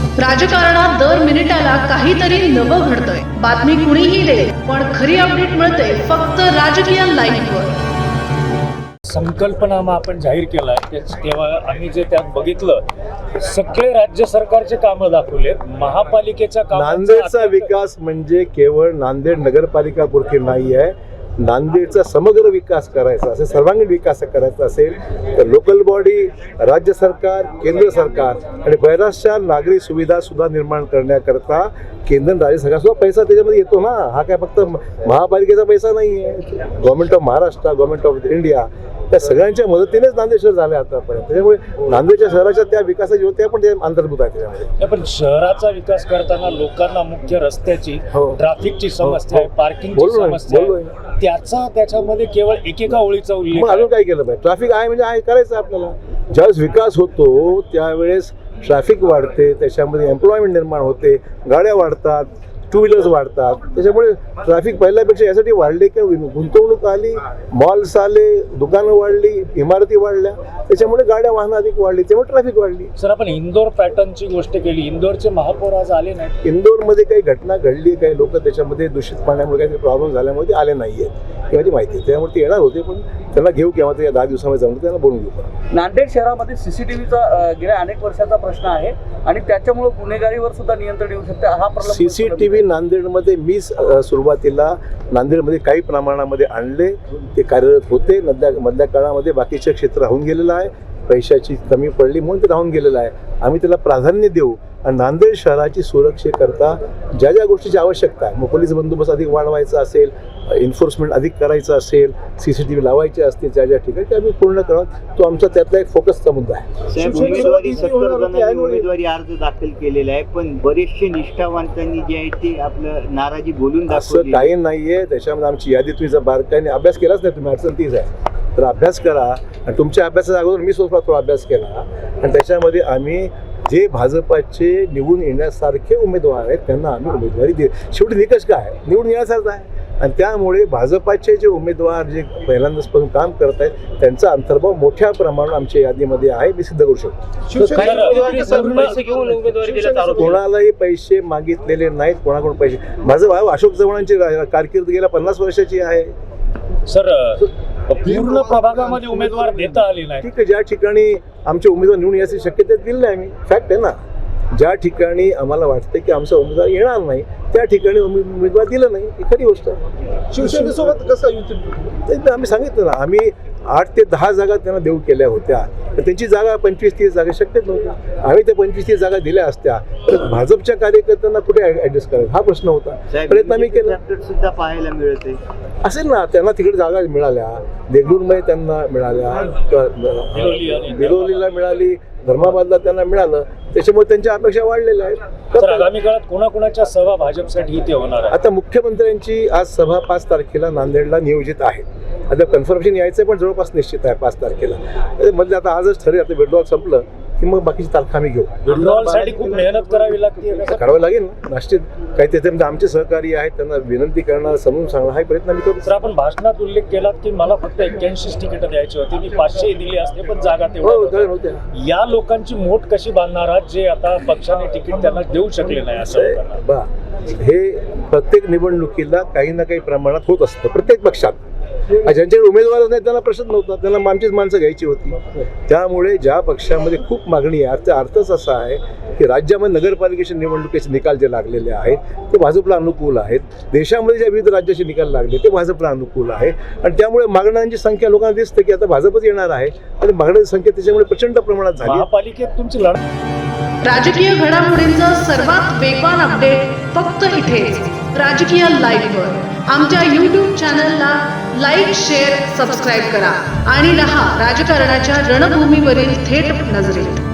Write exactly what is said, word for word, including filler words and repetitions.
राजकारणात दर मिनिटाला काहीतरी नवं घडतंय. बातमी कुणीही दे, पण खरी अपडेट मिळते फक्त राजकीय लाईव्हवर. संकल्पनामा आपण जाहीर केलाय तेव्हा आम्ही जे त्यात बघितलं, सगळे राज्य सरकारचे कामं दाखवले. महापालिकेच्या कामांचा नांदेडचा विकास म्हणजे केवळ नांदेड नगरपालिका पुरती नाही आहे. नांदेडचा समग्र विकास करायचा असेल, सर्वांगीण विकास करायचा असेल तर लोकल बॉडी, राज्य सरकार, केंद्र सरकार आणि बऱ्याचशा नागरी सुविधा सुद्धा निर्माण करण्याकरता केंद्र राज्य सरकार सुद्धा पैसा त्याच्यामध्ये येतो ना. हा काय फक्त महापालिकेचा पैसा नाही आहे. Government of Maharashtra, government of India त्या सगळ्यांच्या मदतीनेच नांदेड शहर झाले आतापर्यंत. त्याच्यामुळे नांदेडच्या शहराच्या त्या विकासाची होत्या पण ते अंतर्भूत आहे त्याच्यामध्ये. पण शहराचा विकास करताना लोकांना मुख्य रस्त्याची, ट्रॅफिकची समस्या आहे, पार्किंगची समस्या आहे, त्याचा त्याच्यामध्ये केवळ एकेका ओळीचा उल्लेख. अजून काय केलं पाहिजे? ट्रॅफिक आहे म्हणजे आहे करायचं आपल्याला. ज्यावेळेस विकास होतो त्यावेळेस ट्रॅफिक वाढते, त्याच्यामध्ये एम्प्लॉयमेंट निर्माण होते, गाड्या वाढतात, टू व्हीलर्स वाढतात. त्याच्यामुळे ट्रॅफिक पहिल्यापेक्षा यासाठी वाढले की गुंतवणूक आली, मॉल्स आले, दुकानं वाढली, इमारती वाढल्या, त्याच्यामुळे गाड्या वाहनं अधिक वाढली, त्यामुळे ट्रॅफिक वाढली. सर, आपण इंदोर पॅटर्नची गोष्ट केली. इंदोरचे महापौर आज आले नाही. इंदोरमध्ये काही घटना घडली, काही लोक त्याच्यामध्ये दूषित पाण्यामुळे काही प्रॉब्लेम झाल्यामुळे ते आले नाही आहेत, याची माहिती आहे. त्यामुळे ते येणार होते, पण त्यांना घेऊ केव्हा ते दहा दिवसामध्ये जमलं त्यांना बोलून घेऊ. नांदेड शहरामध्ये सीसीटीव्हीचा गेल्या अनेक वर्षाचा प्रश्न आहे आणि त्याच्यामुळे गुन्हेगारीवर सुद्धा नियंत्रण येऊ शकते. हा प्रॉब्लेम सीसीटीव्ही नांदेडमध्ये मी सुरुवातीला नांदेडमध्ये काही प्रमाणामध्ये आणले, ते कार्यरत होते. मधल्या मधल्या काळामध्ये बाकीचे क्षेत्र राहून गेलेलं आहे, पैशाची कमी पडली म्हणून ते राहून गेलेलं आहे. आम्ही त्याला प्राधान्य देऊ आणि नांदेड शहराची सुरक्षेकरता ज्या ज्या गोष्टीची आवश्यकता आहे, मग पोलीस बंदोबस्त अधिक वाढवायचा असेल, एन्फोर्समेंट अधिक करायचं असेल, सी सी टी व्ही लावायचे असतील ज्या ज्या ठिकाणी, ते आम्ही पूर्ण करू. तो आमचा त्यातला एक फोकसचा मुद्दा आहे. उमेदवारी सत्तर जणांनी उमेदवारी अर्ज दाखल केलेला आहे, पण बरेचसे निष्ठावंतांनी जे आहे ते आपलं नाराजी बोलून दाखवली. असं काही नाही आहे. त्याच्यामध्ये आमची यादी तुम्ही जर बारकाईने अभ्यास केलाच नाही, तुम्ही अडचण तीच आहे, तर अभ्यास करा. आणि तुमच्या अभ्यासाच्या अगोदर मी स्वतः थोडा अभ्यास केला आणि त्याच्यामध्ये आम्ही जे भाजपाचे निवडून येण्यासारखे उमेदवार आहेत त्यांना आम्ही उमेदवारी दे. शेवटी निकष काय आहे? निवडून येण्यासारखं आहे. आणि त्यामुळे भाजपाचे जे उमेदवार जे पहिल्यांदाचपासून काम करत आहेत त्यांचा अंतर्भाव मोठ्या प्रमाणात आमच्या यादीमध्ये आहे, मी सिद्ध करू शकतो. कोणालाही पैसे मागितलेले नाहीत, कोणाकडून पैसे. माझं भाऊ अशोक चव्हाणांची कारकीर्द गेल्या पन्नास वर्षाची आहे. सर, पूर्ण प्रभागामध्ये उमेदवार देता आले नाही. ठीक आहे, ज्या ठिकाणी आमचे उमेदवार निवडून याची शक्यता दिली नाही आम्ही, फॅक्ट आहे ना. ज्या ठिकाणी आम्हाला वाटतं की आमचा उमेदवार येणार नाही त्या ठिकाणी उमेदवार दिलं नाही, ही खरी गोष्ट आहे. शिवसेनेसोबत कसं युती? आम्ही सांगितलं ना, आम्ही आठ ते दहा जागा त्यांना देऊ केल्या होत्या, तर त्यांची जागा पंचवीस तीस जागा शक्यच नव्हत्या. आम्ही त्या पंचवीस तीस जागा दिल्या असत्या तर भाजपच्या कार्यकर्त्यांना कुठे ऍडजस्ट करायचा हा प्रश्न होता. प्रयत्न आम्ही केला. सुद्धा पाहायला मिळते असेल ना, त्यांना तिकडे जागा मिळाल्या, देगलूरमध्ये त्यांना मिळाल्या, बिलोलीला मिळाली, धर्माबादला त्यांना मिळालं, त्याच्यामुळे त्यांच्या अपेक्षा वाढलेल्या आहेत. तर आगामी काळात कोणाकोणाच्या सभा भाजपसाठी इथे होणार आहे? आता मुख्यमंत्र्यांची आज सभा पाच तारखेला नांदेडला नियोजित आहे. आता कन्फर्मेशन यायचं पण जवळपास निश्चित आहे पाच तारखेला. म्हणजे आता आजच ठरेल, आता विड्रॉल संपलं की मग बाकीची तारखा आम्ही घेऊ. विड्रॉलसाठी खूप मेहनत करावी लागते, करावं लागेल ना निश्चित. काही त्याच्यामध्ये आमचे सहकारी आहेत, त्यांना विनंती करणं, समजून सांगणं हा प्रयत्न आम्ही करू. तर आपण भाषणात उल्लेख केला की मला फक्त एक्क्याऐंशी तिकीट द्यायची होती, मी पाचशे दिली असते पण जागा तेवढ्या. या लोकांची मोठ कशी बांधणार आहात जे आता पक्षाने तिकीट त्यांना देऊ शकले नाही? असं बा, हे प्रत्येक निवडणुकीला काही ना काही प्रमाणात होत असतं प्रत्येक पक्षात. ज्यांच्याकडे उमेदवारच नाही त्यांना प्रश्न नव्हता, त्यांना आमचीच माणसं घ्यायची होती. त्यामुळे ज्या पक्षामध्ये खूप मागणी आहे, अर्थ अर्थच असा आहे की राज्यामध्ये नगरपालिकेचे निवडणुकीचे निकाल जे लागलेले आहेत ते भाजपला अनुकूल आहेत. देशामध्ये ज्या विविध राज्याचे निकाल लागले ते भाजपला अनुकूल आहे आणि त्यामुळे मागण्यांची संख्या लोकांना दिसते की आता भाजपच येणार आहे आणि मागण्याची संख्या त्याच्यामुळे प्रचंड प्रमाणात झाली. महापालिकेत तुमची लढत. राजकीय घडामोडींचा सर्वात वेगवान अपडेट फक्त इथेच राजकीय लाईव्हवर. आमच्या यूट्यूब चॅनलला लाईक, शेअर, सबस्क्राईब करा आणि रहा राजकारणाच्या रणभूमीवरील थेट नजरेत.